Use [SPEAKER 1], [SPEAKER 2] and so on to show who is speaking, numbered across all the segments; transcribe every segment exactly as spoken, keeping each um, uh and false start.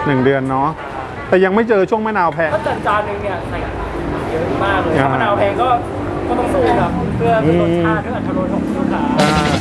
[SPEAKER 1] หนึ่งเดือนเนาะแต่ยังไม่เจอช่วงมะนาวแพง
[SPEAKER 2] ก็จานจานหนึ่งเนี่ยใส่เยอะมากเลยถ้ามะนาวแพงก็ก็ต้องสู้ครับเพื่อเพื่อรสชาติเพื่ออรรถรสของลูกค้า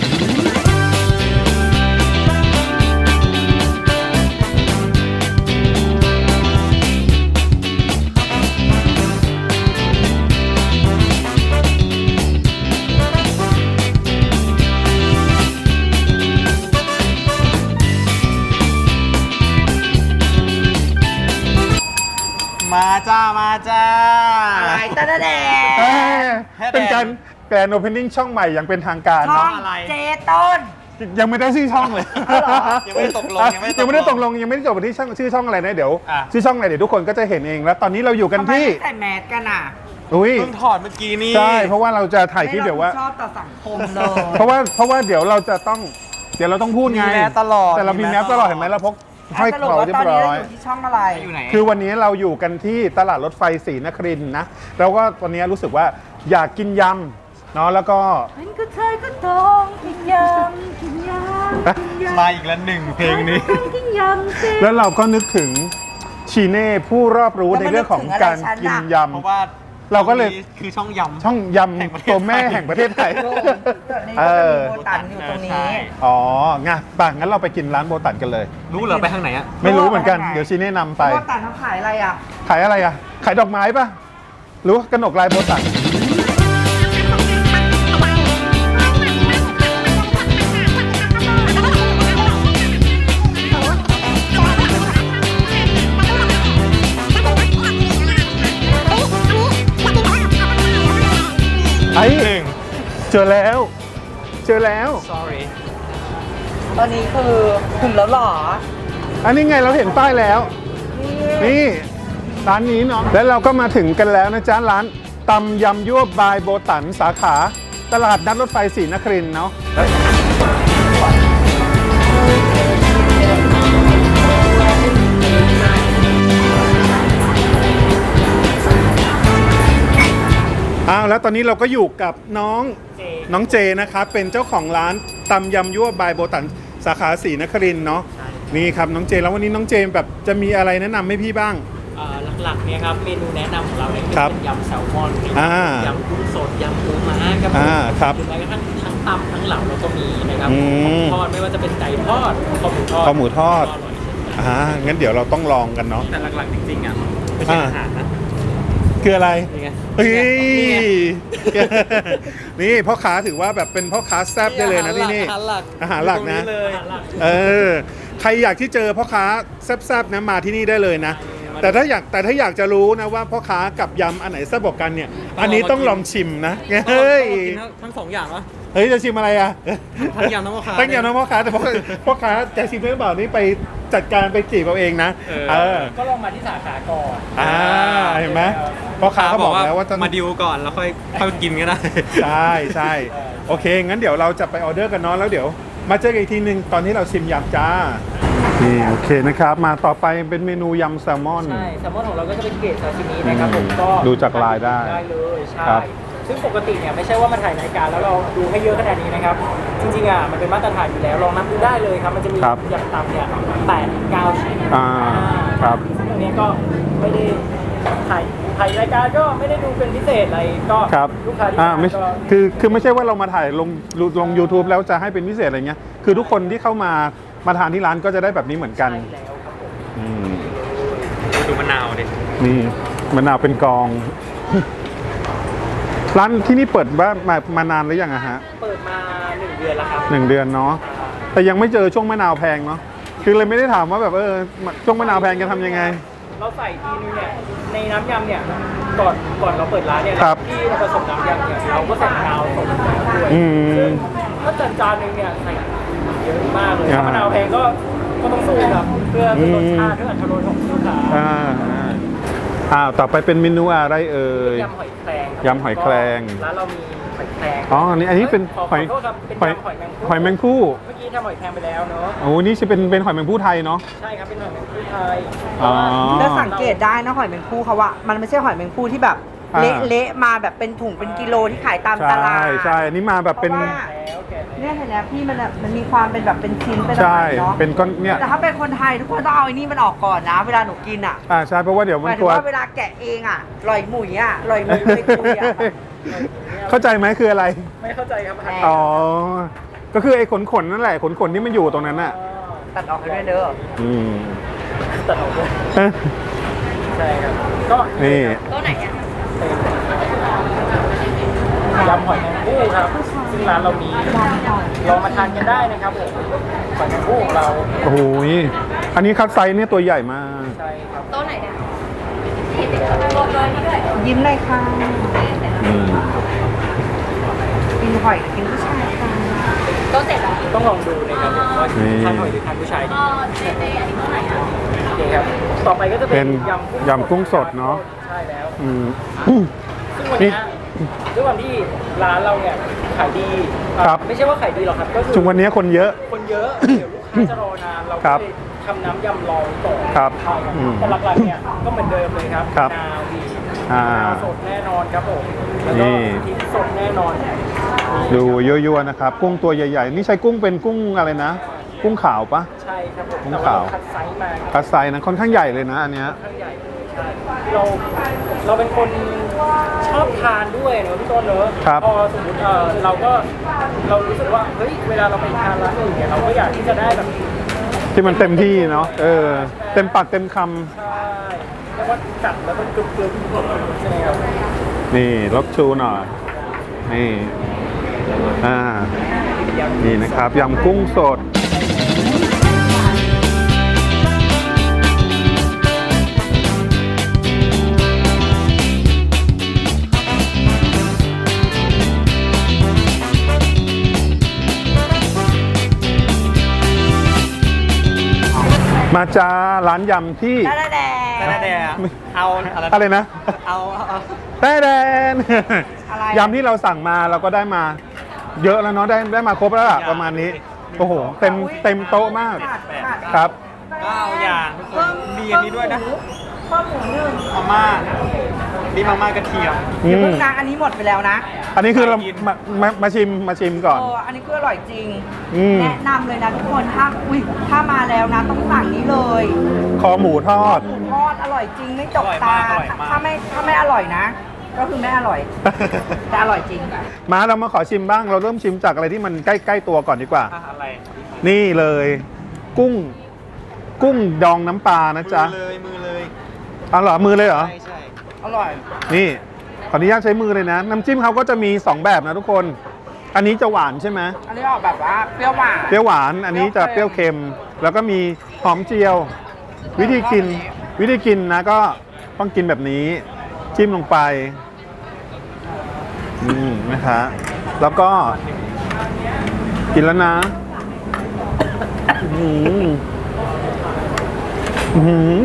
[SPEAKER 3] มาจ้ามาจ้าอะไรตาแดง
[SPEAKER 1] เป็นการแกรนด์โอเพนนิ่งช่องใหม่อย่างเป็นทางการเนาะ
[SPEAKER 3] เจต้น
[SPEAKER 1] ยังไม่ได้ชื่อช่องเลย
[SPEAKER 3] ยังไม่ได้ตกลง
[SPEAKER 1] ยังไม่ได้ตกลงยังไม่ได้จบที่ช่องชื่อช่องอะไรนะเดี๋ยวชื่อช่องอะไรเดี๋ยวทุกคนก็จะเห็นเองแล้วตอนนี้เราอยู่กันที่
[SPEAKER 3] ใส่แมสกันอ่ะ
[SPEAKER 1] อุ้ย
[SPEAKER 3] เพิ่งถอดเมื่อกี้นี่
[SPEAKER 1] ใช่เพราะว่าเราจะถ่ายคลิปเดี๋ยวว่า
[SPEAKER 3] ชอบต่อสังคมเลย
[SPEAKER 1] เพราะว่าเพราะว่าเดี๋ยวเราจะต้องเดี๋ยวเราต้องพูดไง
[SPEAKER 3] มีแมสตลอด
[SPEAKER 1] แต่เรามีแมสตลอดเห็นไหมเราพกห้อยคอเรียบร้อย
[SPEAKER 3] อยู่ที่ช่องอะไรอยู่ไหน
[SPEAKER 1] คือวันนี้เราอยู่กันที่ตลาดรถไฟศรีนครินทร์นะแล้วก็วันนี้รู้สึกว่าอยากกินยำเนาะแล้วก็
[SPEAKER 3] เป็นก็เธอก็ต้องกินยำกินยำมาอีกแล้วหนึ่งเพลงนี้กินยำ
[SPEAKER 1] แล้วเราก็นึกถึงชีเน่ผู้รอบรู้ในเรื่องของการกินยำ
[SPEAKER 3] เพราะว่า
[SPEAKER 1] เราก็เลย
[SPEAKER 3] คือช่องยำ
[SPEAKER 1] ช่องยำตัวแม่แห่งประเทศไทย
[SPEAKER 3] เออโบตันอยู่ตรงนี้
[SPEAKER 1] อ๋องั้นป่ะงั้นเราไปกินร้านโบตันกันเลย
[SPEAKER 3] รู้เหรอไปทางไหนอะ
[SPEAKER 1] ไม่รู้เหมือนกันเดี๋ยวชีเน่นำไป
[SPEAKER 3] โบตันเขาขายอะไรอะ
[SPEAKER 1] ขายอะไรอะขายดอกไม้ป่ะรู้กนกลายโบตันไอ้หนึ่งเจอแล้วเจอแล้ว
[SPEAKER 3] sorry ตอนนี้คือถึงแล้วหรอ
[SPEAKER 1] อันนี้ไงเราเห็นป้ายแล้วนี่ร้านนี้เนาะแล้วเราก็มาถึงกันแล้วนะจ๊ะร้านตำยำยั่วบายโบตันสาขาตลาดนัดรถไฟศรีนครินทร์เนาะอ้าวแล้วตอนนี้เราก็อยู่กับน้องน้องเจนะครับเป็นเจ้าของร้านตำยำยั่วบายโบตันสาขาศรีนครินทร์เนาะนี่ครับน้องเจแล้ววันนี้น้องเจแบบจะมีอะไรแนะนำให้พี่บ้าง
[SPEAKER 2] หลักๆเนี่ยครับเมนูแนะนำของเราเนี่ยเป็นยำแซลมอนยำกุ้งสดยำปูม้าครับหรือแม้กระทั่งทั้งตำทั้งเหลาเราก็มีนะครับทอดไม่ว่าจะเป็นไก่ทอดข้าวหมูทอด
[SPEAKER 1] ข้าวหมูทอดอ่างั้นเดี๋ยวเราต้องลองกันเนาะ
[SPEAKER 2] แต่หลักๆจริงๆอ่ะไม่ใช่อาหารนะ
[SPEAKER 1] คืออะไรเฮ้ย
[SPEAKER 2] นี่
[SPEAKER 1] พ่อค้าถือว่าแบบเป็นพ่อค้าแซ่บได้เลยนะที่นี่อาหารหลักนะเออใครอยากที่เจอพ่อค้าแซ่บๆนะมาที่นี่ได้เลยนะแต่ถ้าอยากแต่ถ้าอยากจะรู้นะว่าพ่อค้ากับยำอันไหนแซ่บกว่ากันเนี่ยอันนี้ต้องลองชิมนะเฮ้ย
[SPEAKER 2] ทั้งสองอย่างวะ
[SPEAKER 1] เฮ้ยจะชิมอะไรอ่ะ
[SPEAKER 2] ทั้งยำทั้งพ่อค้า
[SPEAKER 1] ทั้งยำทั้งพ่อค้าแต่พ่อพ่อค้าจะชิมได้เปล่านี่ไปจัดการไปจีบเอาเองนะ
[SPEAKER 2] เออก็ลองมาที่สาขาก่อน
[SPEAKER 1] อ่าเห็นไหมพ่อค้าเขาบอกแล้วว่า
[SPEAKER 2] มาดิวก่อนแล้วค่อยค่อยกินก็ได้
[SPEAKER 1] ใช่ใช่โอเคงั้นเดี๋ยวเราจะไปออเดอร์กันเนาะแล้วเดี๋ยวมาเจอกันอีกทีนึงตอนที่เราชิมยำจ้านี่โอเคนะครับมาต่อไปเป็นเมนูยำแซลมอน
[SPEAKER 2] ใช่แซลมอนของเราก็จะเป็นเกรดซาชิมินะครับผมก็
[SPEAKER 1] ดูจากลายได้
[SPEAKER 2] ได้เลยใช่ซึ่งปกติเนี่ยไม่ใช่ว่ามาถ่ายรายการแล้วเราดูให้เยอะขนาดนี้นะครับจริงๆอ่ะมันเป็นมาตรฐานอยู่แล้วลองนับดูได้เลยครับมันจะมีอย่างต่ำเนี่ยแปดเก้าชิ้น
[SPEAKER 1] อ่าครับ
[SPEAKER 2] ซึ่งตรงนี้ก็ไม่ได้ถ่ายถ่ายรายการก็ไม่ได้ดูเป็นพิเศษอะไรก็ลูกค้าที่มาก็
[SPEAKER 1] คือคือไม่ใช่ว่าเรามาถ่ายลงลง ยูทูบ แล้วจะให้เป็นพิเศษอะไรเงี้ยคือทุกคนที่เข้ามามาทานที่ร้านก็จะได้แบบนี้เหมือนกัน
[SPEAKER 2] ดูมะนาวดิ
[SPEAKER 1] นี่มะนาวเป็นกองร้านที่นี่เปิดว่ามามานานหรือยังอะฮะ
[SPEAKER 2] เปิดมาหนึ่งเดือนแล้วครับ
[SPEAKER 1] หนึ่งเดือนเนาะแต่ยังไม่เจอช่วงมะนาวแพงเนาะคือเลยไม่ได้ถามว่าแบบเออช่วงมะนาวแพงจะทำยังไง
[SPEAKER 2] เราใส่ทีนึงเนี่ยในน้ำยำเนี่ยก่อนก่อนเราเปิดร้านเนี่ยที่เราผสมน้ำยำเนี่ยเราก็ใส่มะนาวสดด้วยซึ่งถ้าจานจานนึงเนี่ยใส่เยอะมากเลยถ้ามะนาวแพงก็ก็ต้องสู้ครับเพื่อรสชาติเพื่ออรรถรสของลูกค้า
[SPEAKER 1] อ่าอ่าต่อไปเป็นเมนูอะไรเอ่ย
[SPEAKER 2] ยำหอยแครง
[SPEAKER 1] ยำหอยแครง
[SPEAKER 2] ร้านเรามีหอยแครง
[SPEAKER 1] อ๋อนี่อันนี้เป็นหอย
[SPEAKER 2] หอย
[SPEAKER 1] หอยแมงผู้
[SPEAKER 2] เมื่อกี้ทำหอยแครงไปแล้วเนาะ
[SPEAKER 1] โอ้นี่จะเป็นเป็นหอยแมงผู้ไทยเนาะ
[SPEAKER 2] ใช่ครับเป็นหอยแมงผู้ไทย
[SPEAKER 3] แล้วสังเกตได้นะหอยแมงผู้เขาว่ามันไม่ใช่หอยแมงผู้ที่แบบ
[SPEAKER 1] อ่า
[SPEAKER 3] เละๆมาแบบเป็นถุงเป็นกิโลที่ขายตามตลา
[SPEAKER 1] ใช่
[SPEAKER 3] ด
[SPEAKER 1] ใช่อันนี้มาแบบเป็น
[SPEAKER 3] พราะว่าเนี่ยเห็นไหมพี่มันอะมันมีความเป็นแบบเป็นชิ้นเป็นอะ
[SPEAKER 1] ใช่
[SPEAKER 3] ไรเนาะ
[SPEAKER 1] เป็นก้อนเนี่ย
[SPEAKER 3] แต่ถ้าเป็นคนไทยทุกคนต้องเอาไอ้นี่มันออกก่อนนะ เวลาหนูกินอ่ะ
[SPEAKER 1] อ่าใช่เพราะว่าเดี๋ยว
[SPEAKER 3] ห
[SPEAKER 1] มัน
[SPEAKER 3] มายถึ
[SPEAKER 1] ตั
[SPEAKER 3] ง
[SPEAKER 1] ว
[SPEAKER 3] ว่าเวลาแกะเองอ่ะลอยหมุยอ่ะลอยหมุยเลยคุยอ่ะ
[SPEAKER 1] เข้าใจไหมคืออะไร
[SPEAKER 2] ไม่เข้าใจครับ
[SPEAKER 3] แหม
[SPEAKER 1] อ๋อ ก็คือไอ้ขนขนๆนั่นแหละขนขนๆที่มันอยู่ตรงนั้นน่ะ
[SPEAKER 3] ตัดออกให้ด้วยเด้อ
[SPEAKER 1] อืม
[SPEAKER 2] ตัดออกด้วยใช่ครับก็
[SPEAKER 1] นี่
[SPEAKER 3] ตัวไหนเนี่ย
[SPEAKER 2] ยำหอยแมงภู่ครับซึ่งร้านเรามีลองมาทานกันได้นะครับผมหอยแมงภู่ของเรา
[SPEAKER 1] โอ้โหอันนี้คัดไซส์เนี่ยตัวใหญ่มาก
[SPEAKER 2] ใช่ครับ
[SPEAKER 3] ตัวไหนเนี่ยยิ้มเลยค่ะ
[SPEAKER 1] อืม
[SPEAKER 3] กินหอยกินผู้ชายค่ะตัวเสร็จแล้ว
[SPEAKER 2] ต้องลองดูนะครับผมว่าทานหอยหรือทานผู้ชายดีโอเคครับต่อไปก็จะ
[SPEAKER 1] เป็
[SPEAKER 2] เป็น น
[SPEAKER 1] ยำกุ้งสดเนาะ
[SPEAKER 2] ใช่แล้ว
[SPEAKER 1] อืม
[SPEAKER 2] ซึ่งวันเนี้ยด้วยความที่ร้านเราเนี่ยขายดี
[SPEAKER 1] ครับ
[SPEAKER 2] ไม่ใช่ว่าขายดีหรอกครับก็คือ
[SPEAKER 1] ช่วงวันนี้คนเยอะ
[SPEAKER 2] คนเยอะเดี๋ยวลูกค้าจะรอนานเรา
[SPEAKER 1] ครั
[SPEAKER 2] ก็
[SPEAKER 1] บ
[SPEAKER 2] เลยทำน้ำยำรองก่อน
[SPEAKER 1] ครับ
[SPEAKER 2] ใช่ครับ
[SPEAKER 1] อืม
[SPEAKER 2] แต่หลักๆเนี่ยก็เหมือนเดิมเลยครับ
[SPEAKER 1] ครับ
[SPEAKER 2] มะนาวดี
[SPEAKER 1] อ่า
[SPEAKER 2] มะนาวสดแน่นอนครับผมแล้วก็
[SPEAKER 1] นี่
[SPEAKER 2] พริกสดแน่นอน
[SPEAKER 1] ดูยั่วๆนะครับ กุ้งตัวใหญ่ๆ นี่ใช้กุ้งเป็นกุ้งอะไรนะ กุ้งขาวปะ
[SPEAKER 2] ใช่ครับผม
[SPEAKER 1] กุ้ง
[SPEAKER 2] แต่ว่า
[SPEAKER 1] ขาว
[SPEAKER 2] เราคัดไซส์มาครับ
[SPEAKER 1] คัดไซส์นะค่อนข้างใหญ่เลยนะอันเนี้ย
[SPEAKER 2] ค่อนข้างใหญ่ใช่เราเราเป็นคนชอบทานด้วยเนอะพี่ต้นเนอะ
[SPEAKER 1] ครับ
[SPEAKER 2] พอสมมติเออเราก็เรารู้สึกว่าเฮ้ยเวลาเราไปทานร้านอื่นเนี่ยเราก็อยากที่จะได้แบบ
[SPEAKER 1] ที่มันเต็มที่เนาะ เออ เต็มปากเต็มค
[SPEAKER 2] ใช่เรียกว่าจัดแล้วมันกรึบกรึบใช่ไหมครับ
[SPEAKER 1] ำนี่ลบชูหน่อย นี่ อ่า นี่นะครับยำกุ้งสด มาจ้าร้านยำที่
[SPEAKER 3] ได้แดง
[SPEAKER 2] แต่แดงเอาอะไร
[SPEAKER 1] อะไรนะ
[SPEAKER 2] เอาเอา
[SPEAKER 1] แต้แดน
[SPEAKER 3] อะไร
[SPEAKER 1] ยำที่เราสั่งมาเราก็ได้มา เยอะแล้วเนาะได้ได้มาครบแล้วล่ะประมาณนี้ โอ้โห เต็มเต็มโต๊ะมาก
[SPEAKER 3] ขาดขาด
[SPEAKER 1] ครับ
[SPEAKER 2] เก้าอย่างทุกคนมีอันนี้ด้วยนะ
[SPEAKER 3] ข้าวหมูหนึ่ง
[SPEAKER 2] มาม่านี่มาม่ากระเทียม
[SPEAKER 1] อื
[SPEAKER 3] เดี๋ยว
[SPEAKER 1] ม
[SPEAKER 3] เพิ่งนะอันนี้หมดไปแล้วนะ
[SPEAKER 1] อันนี้คือเรา
[SPEAKER 2] กิน
[SPEAKER 1] มามามาชิมมาชิมก่อน
[SPEAKER 3] เอออันนี้คืออร่อยจริง
[SPEAKER 1] อืม
[SPEAKER 3] แนะนำเลยนะทุกคนถ้าอุ้ยถ้ามาแล้วนะต้องสั่งนี้เลย
[SPEAKER 1] คอหมูทอด
[SPEAKER 3] หมูทอดอร่อยจริงไม่จก
[SPEAKER 2] อร่อย
[SPEAKER 3] ตาม
[SPEAKER 2] ากอร่อยมาก
[SPEAKER 3] ถ้าไม่ถ้าไม่อร่อยนะ ก็คือไม่อร่อย แต่อร่อยจริง
[SPEAKER 1] มาเรามาขอชิมบ้าง เราเริ่มชิมจากอะไรที่มันใกล้ๆตัวก่อนดีกว่า
[SPEAKER 2] อะไร
[SPEAKER 1] นี่เลย กุ้ง กุ้งดองน้ำปลานะจ๊ะ
[SPEAKER 2] มือเลยมือเลย
[SPEAKER 1] เอาเหรอมือเลยเหรอ
[SPEAKER 2] ใช่ใช่
[SPEAKER 3] อร่อย
[SPEAKER 1] นี่ขออนุญาตใช้มือเลยนะ น้ำจิ้มเขาก็จะมีสองแบบนะทุกคน อันนี้จะหวานใช่ไหม
[SPEAKER 3] อันนี้ออกแบบว่าเปรี้ยวหวาน
[SPEAKER 1] เปรี้ยวหวาน อันนี้จะเปรี้ยวเค็ม แล้วก็มีหอมเจียว วิธีกิน วิธีกินนะก็ต้องกินแบบนี้ จิ้มลงไป อืมนะคะ แล้วก็ กินแล้วนะอืมอืม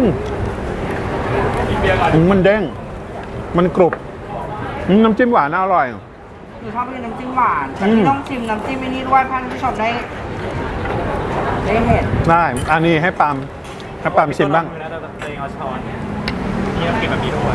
[SPEAKER 1] อืมมันเด้ง มันกรุบอืมน้ำจิ้มหวานน่าอร่อย
[SPEAKER 3] หนูชอบกินน้ำจิ้มหวานแต่
[SPEAKER 1] อืม
[SPEAKER 3] ที่ต้องชิมน้ำจิ้มไอ้นี่ด้วยเพื่อให้ท่านผู้ชมได้ได้เห็น
[SPEAKER 1] ได้ อันนี้ให้ปาล์มให้ปาล์มชิมบ้าง
[SPEAKER 2] นะแต่ตัวเองเอาช้อนนี่เรากินแบบนี้ด้วย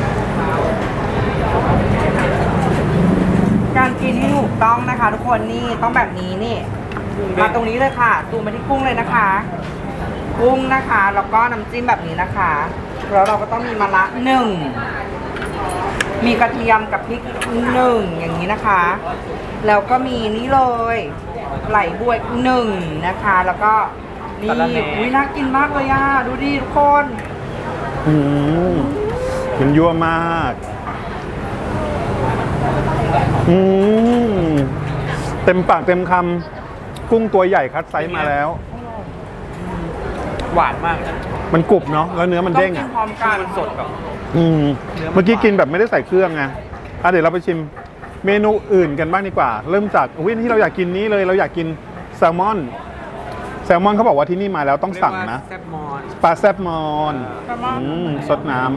[SPEAKER 3] การกินที่ถูกต้องนะคะ ทุกคนนี่ต้องแบบนี้นี่มาตรงนี้เลยค่ะดูมาที่กุ้งเลยนะคะ กุ้งนะคะ แล้วก็น้ำจิ้มแบบนี้นะคะแล้วเราก็ต้องมีมะระหนึ่งมีกระเทียมกับพริกหนึ่งอย่างนี้นะคะ แล้วก็มีนี่เลยไหลบวยหนึ่งนะคะ แล้วก็นี่อุ้ยน่ากินมากเลยอ่ะดูดิทุกคน
[SPEAKER 1] อืมมันยั่วมาก อืมเต็มปากเต็มคำกุ้งตัวใหญ่คัดไซส์มาแล้ว
[SPEAKER 2] หวานมาก
[SPEAKER 1] มันกรุบเนาะแล้วเนื้อมัน
[SPEAKER 3] ต้อง
[SPEAKER 1] เด้ง
[SPEAKER 3] กิน
[SPEAKER 1] อ่ะ
[SPEAKER 3] พร้อมกัน
[SPEAKER 2] มันสดแบบ
[SPEAKER 1] อืม
[SPEAKER 2] เนื้อมัน
[SPEAKER 1] เมื่อกี้กินแบบไม่ได้ใส่เครื่องไงอ่ะเดี๋ยวเราไปชิมเมนูอื่นกันบ้างดีกว่า เริ่มจากวิที่เราอยากกินนี้เลยเราอยากกินแซลมอน แซลมอนเขาบอกว่าที่นี่มาแล้วต้องสั่งนะ
[SPEAKER 2] แซ่บมอน
[SPEAKER 1] ปลาแซบมอน
[SPEAKER 3] แซลมอน
[SPEAKER 1] อืมสดน้ำ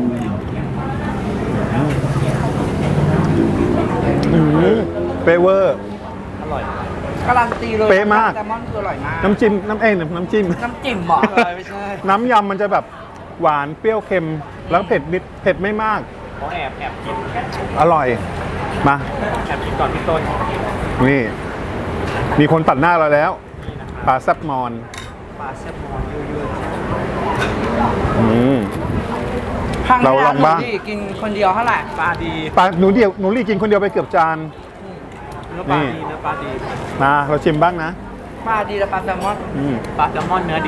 [SPEAKER 1] อืมเปเวอร์
[SPEAKER 2] อร่อย
[SPEAKER 3] การันตีเลย
[SPEAKER 1] เป๊ะมาก
[SPEAKER 3] แซลมอนคืออร่อยมาก
[SPEAKER 1] น้ำจิ้มน้ำเอ้ยน้ำจิ้ม
[SPEAKER 3] น้ำจิ้มเหรอ
[SPEAKER 2] ไม่ใช่
[SPEAKER 1] น้ำยำมันจะแบบหวานเปรี้ยวเค็ม แล้วเผ็ดนิดเผ็ดไม่มาก
[SPEAKER 2] เขาแอบแอบกิน
[SPEAKER 1] อร่อย มา
[SPEAKER 2] แอบกินก่อนพี่ต้น
[SPEAKER 1] นี่ มีคนตัดหน้าเราแล้ว
[SPEAKER 2] นี่นะครับ
[SPEAKER 1] ปลาแซบมอน
[SPEAKER 2] ปลาแซลมอนเยอะ
[SPEAKER 1] อืม
[SPEAKER 3] ครั้ง
[SPEAKER 1] เรา
[SPEAKER 3] ที่
[SPEAKER 1] ล
[SPEAKER 3] แล้
[SPEAKER 1] อ
[SPEAKER 3] ว
[SPEAKER 1] ง
[SPEAKER 3] หนู
[SPEAKER 1] บ้าง
[SPEAKER 3] ดีกินคนเดียวเท่าไหร่
[SPEAKER 2] ๆปลาดี
[SPEAKER 1] ปลาหนูเดียวหนูรีกินคนเดียวไปเกือบจาน
[SPEAKER 2] เนื้อปลาดีเนื้อปลาดี
[SPEAKER 1] มาเราชิมบ้างนะ
[SPEAKER 3] ปลาดีและปลาแซลมอน
[SPEAKER 1] อืม
[SPEAKER 2] ปลาแซลมอนเนื้อดี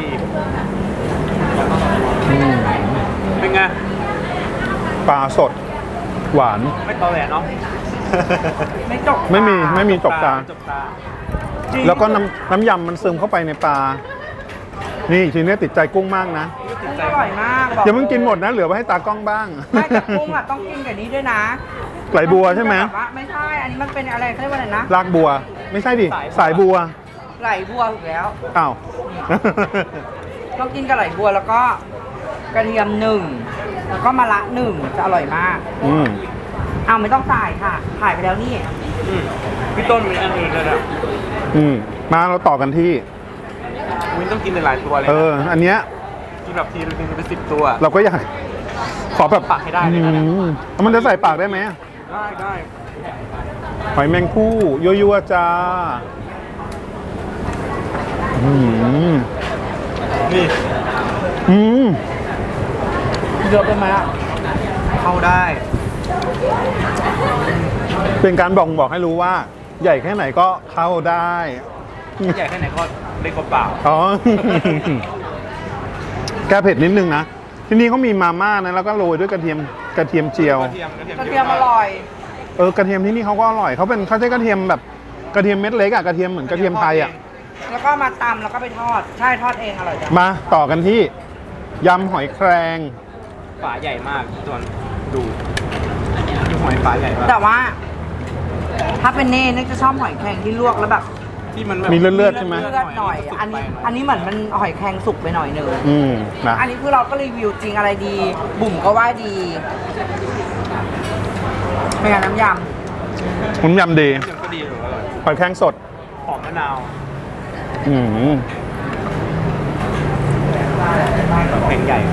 [SPEAKER 1] อืม
[SPEAKER 2] เป็นไง
[SPEAKER 1] ปลาสด หวาน
[SPEAKER 2] ไม่ตอแหลเนาะ
[SPEAKER 3] ไม่จก
[SPEAKER 1] ไม่มีไม่มีจกตา
[SPEAKER 2] จกตา
[SPEAKER 3] จริง
[SPEAKER 1] แล้วก็น้ำน้ำยำมันซึมเข้าไปในปลา นี่ทีนี้ติดใจกุ้งมากนะ
[SPEAKER 3] กุ้งอร่อยมากบ
[SPEAKER 1] อย่าเพิ่งกินหมดนะ เหลือไว้ให้ตากล้องบ้าง
[SPEAKER 3] ไม่แต่กุ้งอ่ะต้องกินกับนี้ด้วยนะ
[SPEAKER 1] ไหลบัวใช่ไหม
[SPEAKER 3] แบบว่าไม่ใช่ อันนี้มันเป็นอะไรเขาเรียกว่าอะไรนะ
[SPEAKER 1] รากบัว ไม่ใช่ดิ สายบัว
[SPEAKER 3] ไหลบัวถูกแล้ว
[SPEAKER 1] อ้าว
[SPEAKER 3] ต้องกินกับไหลบัวแล้วก็กระเทียมหนึ่งแล้วก็มะระหนึ่งจะอร่อยมาก
[SPEAKER 1] อืม
[SPEAKER 3] เอาไม่ต้องใส่ค่ะถ่ายไปแล้วนี่
[SPEAKER 2] อืมพี่ต้นมีอันอื่นเลยนะ
[SPEAKER 1] อืม มาเราต่อกันที่
[SPEAKER 2] วินต้องกินหลายๆตัวเลย
[SPEAKER 1] เอ
[SPEAKER 2] นะ
[SPEAKER 1] อ อันเนี้ย
[SPEAKER 2] กินแบบทีนึงเป็นสิบตัว
[SPEAKER 1] เราก็อยาก ขอแบบ
[SPEAKER 2] ปากให้ได้เลยนะ
[SPEAKER 1] อืมมันจะใส่ปากได้ไหม
[SPEAKER 2] ได้ได้
[SPEAKER 1] หอยแมงผู้ยั่วๆจ้า อืม
[SPEAKER 2] นี่
[SPEAKER 1] อืม
[SPEAKER 3] เยอะไปไหมอ่ะ
[SPEAKER 2] เข้าได้
[SPEAKER 1] เป็นการบอกบอกให้รู้ว่า ใหญ่แค่ไหนก็เข้าได้
[SPEAKER 2] ใหญ่แค่ไหนก็เล็กกว่าเปล่า
[SPEAKER 1] อ๋อ แก้เผ็ดนิดนึงนะ ที่นี่เขามีมาม่านะ แล้วก็โรยด้วยกระเทียมกระเทียมเจียว
[SPEAKER 2] กระเทียมกระเทียม
[SPEAKER 3] กระเทียมอร่อย
[SPEAKER 1] เออกระเทียมที่นี่เขาก็อร่อยเขาเป็นเขาใช้กระเทียมแบบกระเทียมเม็ดเล็กอะกระเทียมเหมือนกระเทียมไทยอะ
[SPEAKER 3] แล้วก็มาตำแล้วก็ไปทอด ใช่ทอดเองอร่อยจัง
[SPEAKER 1] มาต่อกันที่ยำหอยแครง
[SPEAKER 2] ฝาใหญ่มากจนดูดูหอยฝาใหญ่มาก
[SPEAKER 3] แต่ว่า ถ้าเป็นเน่เน่จะชอบหอยแครงที่ลวกแล้วแบบ
[SPEAKER 2] ที่มันแบบ
[SPEAKER 1] มีเลือดๆใช่ไหม
[SPEAKER 3] เลือดหน่อย อันนี้ อันนี้เหมือนมันหอยแครงสุกไปหน่อยหนึง
[SPEAKER 1] อืมนะ
[SPEAKER 3] อันนี้คือเราก็รีวิวจริงอะไรดี บุ๋มก็ว่าดีเป็นไงน้ำย
[SPEAKER 1] ผมยำดี
[SPEAKER 2] ยังก็ดีหรืออร่อย
[SPEAKER 1] หอยแครงสด
[SPEAKER 2] หอมมะนาว
[SPEAKER 1] อืม
[SPEAKER 2] แข็งใหญ่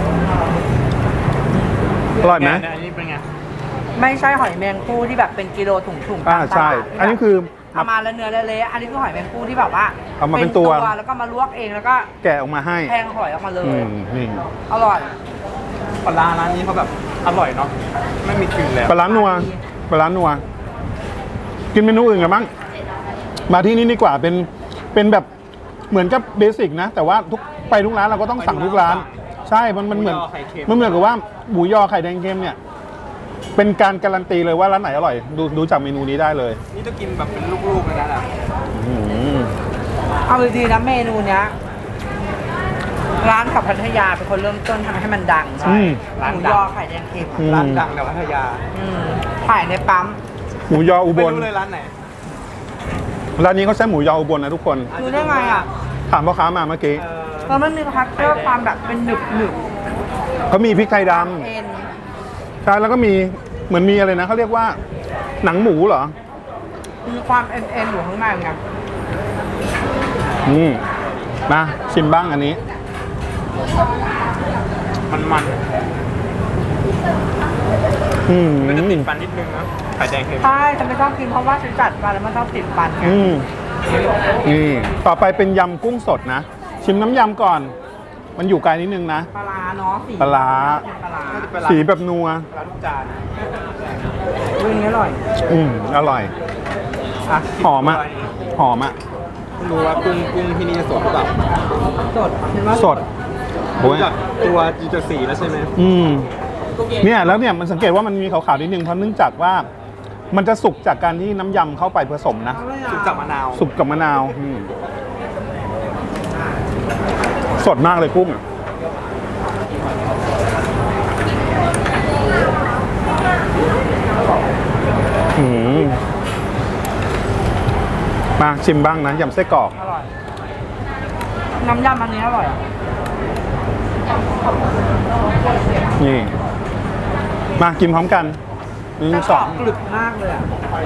[SPEAKER 1] อร่อยไหม
[SPEAKER 2] อันนี้เป็นไง
[SPEAKER 3] ำไม่ใช่หอยแมงภู่ที่แบบเป็นกิโลถุงๆ
[SPEAKER 1] อ่า
[SPEAKER 3] ตามต
[SPEAKER 1] ใช่
[SPEAKER 3] ลาด
[SPEAKER 1] อันนี้คือ
[SPEAKER 3] เอามาแล้วเนื้อเละๆอันนี้คือหอยแมงภู่ที่แบบว่า
[SPEAKER 1] เอามาเป็นตัว
[SPEAKER 3] แล้วก็มาลวกเองแล้วก็
[SPEAKER 1] แกะออกมาให้
[SPEAKER 3] แทงหอยออกมาเล
[SPEAKER 1] อื
[SPEAKER 3] ย
[SPEAKER 1] มนี่
[SPEAKER 3] อร่อย
[SPEAKER 2] ปลาร้าร้านนี้เขาแบบอร่อยเนาะไม่มีกลิ่นแล้ว
[SPEAKER 1] ปลาร้านัวปลาร้านัว กินเมนูอื่นกันบ้างมาที่นี่ดีกว่าเป็นเป็นแบบเหมือนกับเบสิกนะ แต่ว่าทุกไปทุกร้านเราก็ต้องสั่งทุกร้าน ใช่มันมันเหมือนมันเหมือนกับว่าหมูยอไข่แดงเค็มเนี่ย เป็นการการันตีเลยว่าร้านไหนอร่อย ดูดูจากเมนูนี้ได้เลย
[SPEAKER 2] นี่ต้องกินแบบเป็นลูกๆเลยนะ
[SPEAKER 1] อืม
[SPEAKER 3] เอาดีๆนะเมนูเนี้ยร้านขับพัทยาเป็นคนเริ่มต้นทำให้มันดัง
[SPEAKER 1] อืม
[SPEAKER 3] หมูยอไข่แดงเค็ม
[SPEAKER 1] อืม
[SPEAKER 2] ร้านดังในพัทยา
[SPEAKER 3] อืมขายในปั๊ม
[SPEAKER 1] หมูยออุบ
[SPEAKER 2] ไม่
[SPEAKER 1] ล
[SPEAKER 2] รู้เลยร้านไหน
[SPEAKER 1] ร้านนี้เขาใช้หมูยออุบลนะทุกคน
[SPEAKER 3] ดูได้ไงอ่ะ
[SPEAKER 1] ถามพ่อค้ามาเมื่อกี้
[SPEAKER 2] เออ
[SPEAKER 3] แล้วมันมีพักเจอความแบบเป็นหนึบหนึบ
[SPEAKER 1] เขามีพริกไทยด
[SPEAKER 3] เอ็น
[SPEAKER 1] ำใช่แล้วก็มีเหมือนมีอะไรนะเขาเรียกว่า หนังหมูเหรอ
[SPEAKER 3] มีความเอ็นเอ็นอยู่ข้างในไง
[SPEAKER 1] อืมมาชิมบ้างอันนี้
[SPEAKER 2] มันมัน
[SPEAKER 1] อืม
[SPEAKER 2] มันจะติดฟันนิดนึงนะไข่แดงเค็ม
[SPEAKER 3] ใช่ฉันไม่ชอบกินเพราะว่าฉันจัดมาแล้วมันชอบติดฟันไง
[SPEAKER 1] อืมนี่ต่อไปเป็นยำกุ้งสดนะ ชิมน้ำยำก่อน มันอยู่ไกลนิดนึงนะ
[SPEAKER 3] ปลาร้าเนาะสี
[SPEAKER 1] ปลาร้า
[SPEAKER 3] เป็นปลาร้า
[SPEAKER 2] น่าจะเป็นร้าน
[SPEAKER 1] สีแบบนัว
[SPEAKER 2] ร้านทุกจาน
[SPEAKER 3] เรื่องนี้อร่อย
[SPEAKER 1] อืมอร่อย
[SPEAKER 2] อ่ะ
[SPEAKER 1] หอมอ่ะหอมอ่ะ
[SPEAKER 2] ไม่รู้ว่ากุ้งกุ้งที่นี่จะสดหรือเปล่า
[SPEAKER 3] สดเห็นว่า
[SPEAKER 1] สดโอ้ย
[SPEAKER 2] จากตัวจีจสีแล้วใช่ไหม
[SPEAKER 1] อืมเนี่ยแล้วเนี่ยมันสังเกตว่ามันมีขาวๆนิดนึงเพราะเนื่องจากว่า มันจะสุกจากการที่น้ำยำเข้าไปผสมนะ
[SPEAKER 2] สุกจากมะนาว
[SPEAKER 1] สุกกับมะนาวอืมสดมากเลยกุ้งอะอืมมาชิมบ้างนะยำไส้กรอก
[SPEAKER 3] อร่อย น้ำยำอันนี้อร่อย
[SPEAKER 1] นี่ มากินพร้อมกันหนึ่ง
[SPEAKER 3] แต่
[SPEAKER 1] ส
[SPEAKER 3] กร
[SPEAKER 1] อ
[SPEAKER 3] อง บกรึบมากเลยอ่ะ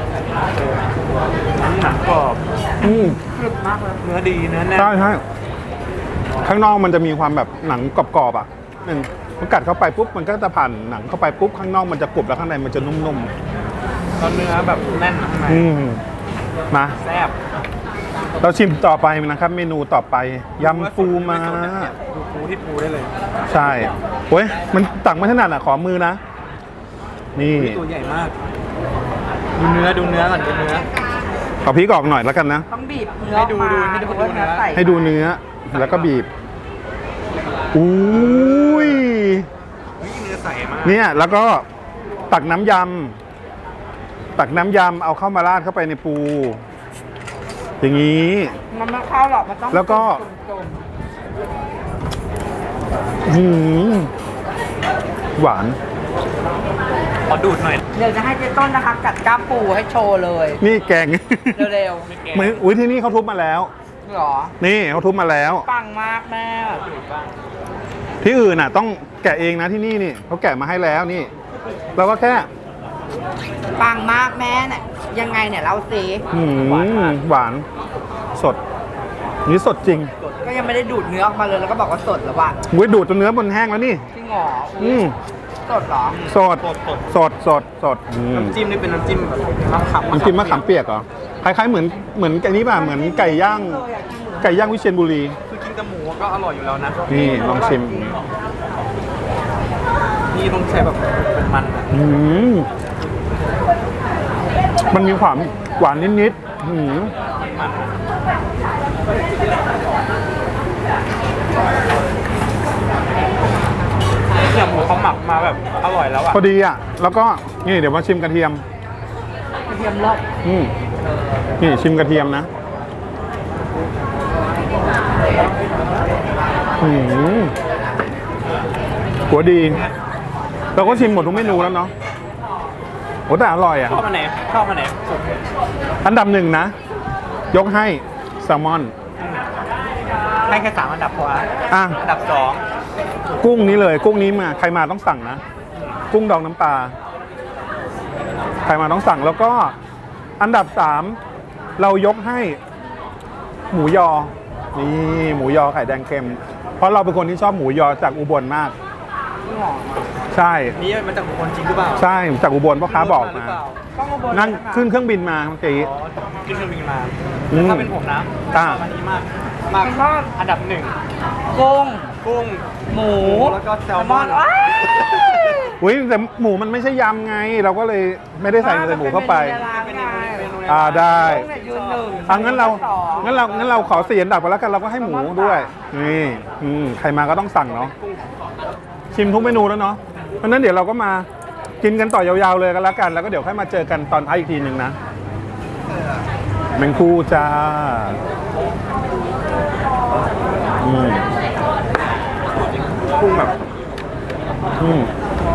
[SPEAKER 2] อันนี้หนังกรอบ
[SPEAKER 1] อืม
[SPEAKER 3] กรึบมากเลย
[SPEAKER 2] เนื้อดีเนื้อแน่น
[SPEAKER 1] ใช่ใช่ข้างนอกมันจะมีความแบบหนังกรอบๆอ่ะหนึ่งพอกัดเข้าไปปุ๊บมันก็จะผ่านหนังเข้าไปปุ๊บข้างนอกมันจะกรุบแล้วข้างในมันจะนุ่ม
[SPEAKER 2] ตอนเนื้อแบบแน่นข้างใน
[SPEAKER 1] ๆอืมมา
[SPEAKER 2] แซ่บ
[SPEAKER 1] เราชิมต่อไปนะครับ เมนูต่อไปยำปูม้า
[SPEAKER 2] ดูปูที่ปูได้เลย
[SPEAKER 1] ใช่โอ้ยมันตักไม่ถนัดอ่ะขอมือนะ นี่
[SPEAKER 2] ตัวใหญ่มาก ดูเนื้อดูเนื้อก่อนดูเนื้อ
[SPEAKER 1] ขอพริกออกหน่อยแล้วกันนะ
[SPEAKER 3] ต้องบีบเนื้อ
[SPEAKER 2] ให้ดู
[SPEAKER 3] มา
[SPEAKER 2] ดูให้ดู
[SPEAKER 3] ว่า
[SPEAKER 2] ดูเนื้อ
[SPEAKER 3] ใส่
[SPEAKER 1] ให้ดูเนื้อแล้วก็บีบอุ้ย
[SPEAKER 2] เฮ้ยเนื้อใสมาก
[SPEAKER 1] เนี่ยแล้วก็ตักน้ำยำตักน้ำยำเอาเข้ามาราดเข้าไปในปู อย่างนี้
[SPEAKER 3] มันไม่เข้าหรอกมันต้อง
[SPEAKER 1] แล้วก็
[SPEAKER 3] จุ่ม
[SPEAKER 1] หืมหวาน
[SPEAKER 2] ขอดูดหน่อย
[SPEAKER 3] ๆเดี๋ยวจะให้เจ๊ต้นนะคะ กัดกล้ามปูให้โชว์เลย
[SPEAKER 1] นี่แกง
[SPEAKER 3] เร็ว
[SPEAKER 1] เหมือนอุ้ยที่นี่เขาทุบมาแล้ว
[SPEAKER 3] ๆหรอ
[SPEAKER 1] นี่เขาทุบมาแล้ว
[SPEAKER 3] ปังมากแม่
[SPEAKER 1] ที่อื่นน่ะต้องแกะเองนะที่นี่นี่เขาแกะมาให้แล้วนี่ เราก็แค่
[SPEAKER 3] ปังมากแม่เนี่ยยังไงเนี่ยเราสิ
[SPEAKER 1] หืมหวานสด นี่สดจริง
[SPEAKER 3] ก็ยังไม่ได้ดูดเนื้อออกมาเลยแล้วก็บอกว่าสดแล้วว่ะ
[SPEAKER 1] อุ้ยดูดจนเนื้อบนแห้งแล้วนี่
[SPEAKER 3] จริงเหรอ
[SPEAKER 1] อืม
[SPEAKER 3] สดเหรอ
[SPEAKER 1] สด
[SPEAKER 2] สดสด
[SPEAKER 1] สดสดสดอืม
[SPEAKER 2] น้ำจิ้มนี่เป็นน้ำจิ้มแบบมะขาม
[SPEAKER 1] น้ำจิ้มมะขามเปียกเหรอคล้ายๆเหมือนเหมือนไก่นี้ป่ะเหมือนไก่ย่างไก่ย่างวิเชียรบุรี
[SPEAKER 2] คือกินกับหมูก็อร่อยอยู่แล้วนะ
[SPEAKER 1] นี่ลองชิม
[SPEAKER 2] นี่ต้องใช้แบบเป็นมันอะ
[SPEAKER 1] อืมมันมีความหวานนิดๆอืม
[SPEAKER 2] เนี่ยหมูเขาหมักมาแบบอร่อยแล้วอ่ะ
[SPEAKER 1] พอดีอ่ะ แล้วก็นี่เดี๋ยวมาชิมกระเทียม
[SPEAKER 3] กระเทียมรอบ
[SPEAKER 1] อืมนี่ชิมกระเทียมนะอืมหัวดี เราก็ชิมหมดทุกเมนูแล้วเนาะโอ้แต่อร่อยอ่ะ
[SPEAKER 2] ชอบอันไหนชอบอันไหนสุด
[SPEAKER 1] อันดับหนึ่งนะ ยกให้แซลมอน
[SPEAKER 2] ให้แค่สามอันดับพอ
[SPEAKER 1] อ่ะ
[SPEAKER 2] อันดับสอง
[SPEAKER 1] กุ้งนี้เลย กุ้งนี้มาใครมาต้องสั่งนะ กุ้งดองน้ำปลาใครมาต้องสั่งแล้วก็อันดับสามเรายกให้หมูยอ นี่หมูยอไข่แดงเค็ม เพราะเราเป็นคนที่ชอบหมูยอจากอุบลมาก
[SPEAKER 3] นี่หรอ
[SPEAKER 1] ใช่
[SPEAKER 2] นี่มันจากคนจริงหรือเปล่า
[SPEAKER 1] ใช่จากอุบลพ่อค้าบอก
[SPEAKER 2] หรื
[SPEAKER 1] มา
[SPEAKER 2] เปล่
[SPEAKER 3] ต้องมาบน
[SPEAKER 1] นั่ง
[SPEAKER 3] เลยะคะ
[SPEAKER 1] ขึ้นเครื่องบินมาเมื่อกี้
[SPEAKER 2] อ๋อขึ้นเครื่องบินมา
[SPEAKER 1] อืม
[SPEAKER 2] แต่ถ้าเป็นผมนะช
[SPEAKER 1] อ่า
[SPEAKER 2] อบอันนี้มากมาก
[SPEAKER 3] มันก็
[SPEAKER 2] อันดับหนึ่ง
[SPEAKER 3] กุ้ง
[SPEAKER 2] กุ้ง
[SPEAKER 3] หมู
[SPEAKER 2] แล้วก็แซลมอน
[SPEAKER 3] ว้าย
[SPEAKER 1] อุ้ยแต่หมูมันไม่ใช่ยำไง เราก็เลยไม่ได้ใส่ใส่หมูเข้าไป
[SPEAKER 3] มันเป็นเมนูในร้านไง
[SPEAKER 1] อ่าได้
[SPEAKER 3] กุ้งเนี่ยยืนหนึ่ง
[SPEAKER 1] อ่ะงั้นเรา
[SPEAKER 3] สอง
[SPEAKER 1] งั้นเรางั้นเราขอสี่อันดับไปแล้วกันเราก็ให้หมูด้วยนี่อืมใครมาก็ต้องสั่งเนาะชิมทุกเมนูแล้วเนาะเพราะฉะนั้นเดี๋ยวเราก็มากินกันต่อยาวๆเลยกันแล้วกัน แล้วก็เดี๋ยวค่อยมาเจอกันตอนท้ายอีกทีหนึ่งนะแมงคู่จ้าอืม
[SPEAKER 2] กุ้งแบบ
[SPEAKER 1] อืม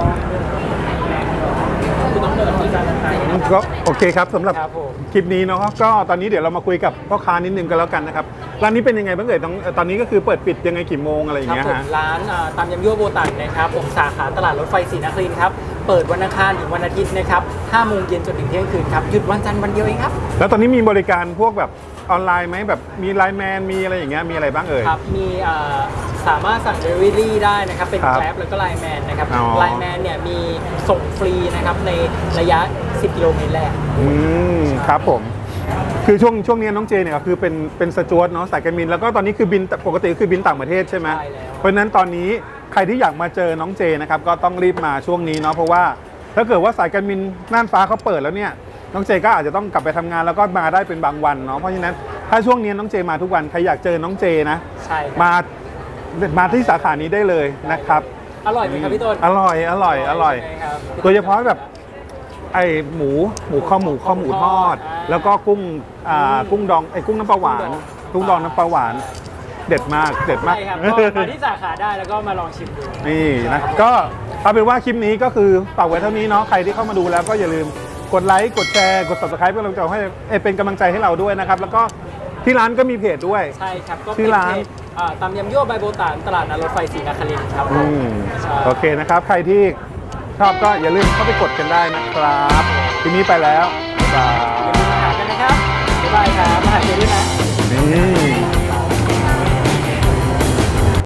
[SPEAKER 1] ก็โอเคครับสำหรับ
[SPEAKER 2] ครับผม
[SPEAKER 1] คลิปนี้เนาะก็ตอนนี้เดี๋ยวเรามาคุยกับพ่อค้านิดนึงกันแล้วกันนะครับร้านนี้เป็นยังไงบ้างเอ่ยต้องตอนนี้ก็คือเปิดปิดยังไงกี่โมงอะไรอย่าง
[SPEAKER 2] ครับ
[SPEAKER 1] เงี้ย
[SPEAKER 2] ผม
[SPEAKER 1] ฮะ
[SPEAKER 2] ร้านอ่าตามยำยั่วโบตันนะครับผมสาขาตลาดรถไฟศรีนครินทร์ครับเปิดวันอังคารถึงวันอาทิตย์นะครับห้าโมงเย็นจนถึงเที่ยงคืนครับหยุดวันจันทร์วันเดียวเองครับ
[SPEAKER 1] แล้วตอนนี้มีบริการพวกแบบออนไลน์ไหมแบบมีไลน์แมนมีอะไรอย่างเงี้ยมีอะไรบ้างเอ่ย
[SPEAKER 2] ครับมีอ่าสามารถสั่ง Delivery ได้นะครับเป็น
[SPEAKER 1] ครับ
[SPEAKER 2] Grab แล้วก็ Line Man นะครับ
[SPEAKER 1] อ๋อ
[SPEAKER 2] Line Man เนี่ยมีส่งฟรีนะครับในระยะสิบกิโลเมตรแรก
[SPEAKER 1] อืมครับผม คือช่วงช่วงนี้น้องเจเนี่ยก็คือเป็นเป็นสจวตเนาะสายการบินแล้วก็ตอนนี้คือบินปกติคือบินต่างประเทศใช่ไหม
[SPEAKER 2] ใช่แล้ว
[SPEAKER 1] เพราะฉะนั้นตอนนี้ใครที่อยากมาเจอน้องเจนะครับก็ต้องรีบมาช่วงนี้เนาะเพราะว่าถ้าเกิดว่าสายการบินน่านฟ้าเขาเปิดแล้วเนี่ยน้องเจก็อาจจะต้องกลับไปทำงานแล้วก็มาได้เป็นบางวันเนาะเพราะฉะนั้นถ้าช่วงนี้น้องเจมาทุกวันใครอยากเจอน้องเจนะ
[SPEAKER 2] ใช่ครับ
[SPEAKER 1] มามาที่สาขานี้ได้เลยนะครับ
[SPEAKER 2] อร่อยไหมครับพี่ต้น
[SPEAKER 1] อร่อยอร่อยอร่อย
[SPEAKER 2] ใช่ไหมครับ
[SPEAKER 1] โดยเฉพาะแบบไอหมูหมูข้อหมูข้อหมูทอด
[SPEAKER 2] อ่า
[SPEAKER 1] แล้วก็กุ้งอ่ากุ้งดองไอกุ้งน้ำปลาหวานกุ้งดองน้ำปลาหวาน เด็ดมากเด็ดมาก
[SPEAKER 2] ใช่ครับก็มาที่สาขาได้แล้วก็มาลองชิมดู
[SPEAKER 1] นี่นะก็เอาเป็นว่าคลิปนี้ก็คือฝากไว้เท่านี้เนาะใครที่เข้ามาดูแล้วก็อย่าลืมกดไลค์กดแชร์กด ซับสไครบ์ เพื่อเป็นกำลังใจให้เอ่อเป็นกำลังใจให้เราด้วยนะครับแล้วก็ที่ร้านก็มีเพจด้วย
[SPEAKER 2] ใช่ครับก็
[SPEAKER 1] ชื่
[SPEAKER 2] เป็น
[SPEAKER 1] อร้าน
[SPEAKER 2] เพจอ่าตำยำยั่วใบโบตานตลาดนัดรถไฟศรีนครินทร์ครับ
[SPEAKER 1] อืม
[SPEAKER 2] ใช่
[SPEAKER 1] โอเคนะครับ ใครที่ชอบก็อย่าลืมเข้าไปกดกันได้นะครับทีนี้ไปแล้วบ๊ายบาย
[SPEAKER 2] อย่าลืมมาหากันนะครับบ๊ายบายครับมาหาเจด้วยนะ
[SPEAKER 1] นี่